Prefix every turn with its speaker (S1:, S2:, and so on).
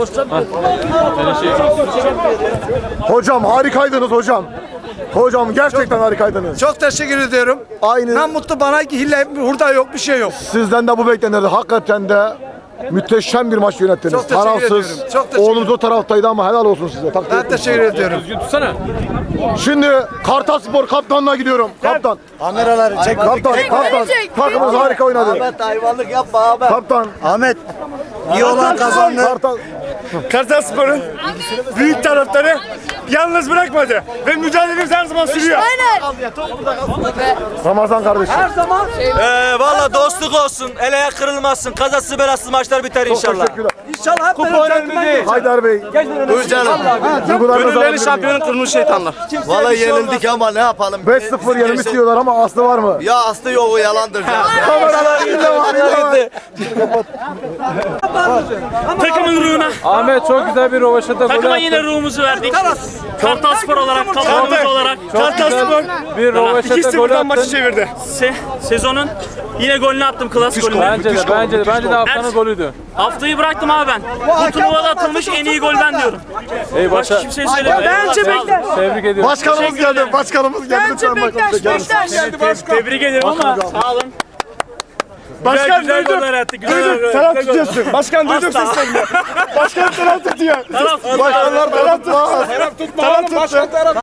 S1: Hocam harikaydınız hocam. Hocam gerçekten harikaydınız.
S2: Çok teşekkür ediyorum.
S1: Aynı.
S2: Ben mutlu, bana hile hurda yok, bir şey yok.
S1: Sizden de bu beklenirdi. Hakikaten de müthişem bir maç yönettiniz.
S2: Çok teşekkür ediyorum. Çok teşekkür
S1: Oğlunuz o taraftaydı ama helal olsun size. Takdir
S2: Ben
S1: ederim.
S2: teşekkür ediyorum.
S1: Şimdi Kartalspor kaptanına gidiyorum. Kaptan.
S3: Kameraları çek.
S1: Kaptan. Takımınız harika oynadı.
S3: Ahmet hayvanlık yapma abi.
S1: Kaptan.
S3: Ahmet. İyi olan kazandı.
S1: Kartal.
S4: Kartalspor'un büyük taraftarı yalnız bırakmadı ve mücadelemiz her zaman sürüyor.
S1: Ramazan kardeşim.
S5: Valla dostluk olsun, eleğe kırılmazsın, kazasız belasız maçlar biter inşallah.
S1: Teşekkürler.
S2: İnşallah hep
S4: Kupa önemli değil.
S1: Haydar Bey.
S3: Buyur canım.
S4: Gönülleri şampiyonun kırmış şeytanlar.
S3: Vallahi yenildik ama ne yapalım?
S1: 5-0 yenilmiş diyorlar ama aslı var mı?
S3: Ya aslı yok, o yalandır canım.
S1: Kameralar gitti var.
S4: Takımın ruhuna.
S6: Ahmet çok güzel bir rovaşata gol
S4: Takıma
S6: attı.
S4: yine ruhumuzu verdik. Kartalspor olarak, kadromuz olarak. Kartalspor
S6: Bir rovaşata gol
S4: 2-0'dan maçı
S6: attın.
S4: çevirdi. Sezonun yine golünü attım, klas golünü.
S6: Bence de haftanın golüydü.
S4: Haftayı bıraktım abi ben. Bu turnuvada atılmış en iyi gol ben diyorum.
S6: Ey
S4: Başka
S6: başa.
S4: kimseye söylemiyorum.
S2: Bence Bektaş.
S6: Tebrik ediyorum.
S1: Başkanımız geldi. Başkanımız geldi.
S2: Bence Bektaş.
S4: Tebrik ederim ama sağ olun. Başkan
S6: Güzel
S4: duydum.
S6: goller attı. Güzel goller.
S4: Taraf tutuyorsun. Başkan duydum seslerini. Başkan taraf tutuyor.
S1: Başkanlar taraf tutmaz.
S4: Taraf tuttu.